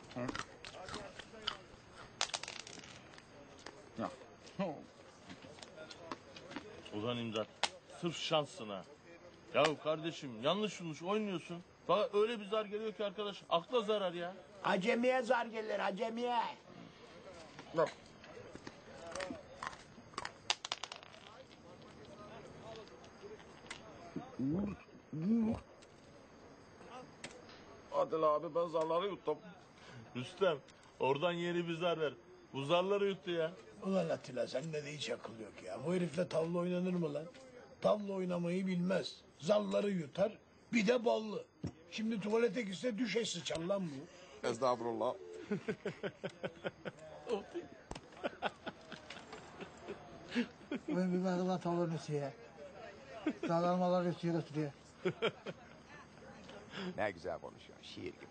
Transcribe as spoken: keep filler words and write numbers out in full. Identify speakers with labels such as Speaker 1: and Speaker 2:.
Speaker 1: Ya.
Speaker 2: Ulan İmdat, sırf şansına. Ya kardeşim yanlış yanlış oynuyorsun. Bak öyle bir zar geliyor ki arkadaş, akla zarar ya.
Speaker 3: Acemiye zar gelir, acemiye.
Speaker 1: Bak. Adil abi ben zarları yuttum.
Speaker 2: Rüstem, oradan yeni bir zar ver. Bu zarları yuttu ya.
Speaker 3: Ulan Atilla sende de hiç akıl yok ya. Bu herifle tavla oynanır mı lan? Tavla oynamayı bilmez. Zalları yutar, bir de ballı. Şimdi tuvalete gitse düşe sıçar lan bu.
Speaker 1: Estağfurullah.
Speaker 4: Ben bir bakılan tavlanın üstüye. Dağlarmalar üstüye götürüyor.
Speaker 5: Ne güzel konuşuyor, şiir gibi.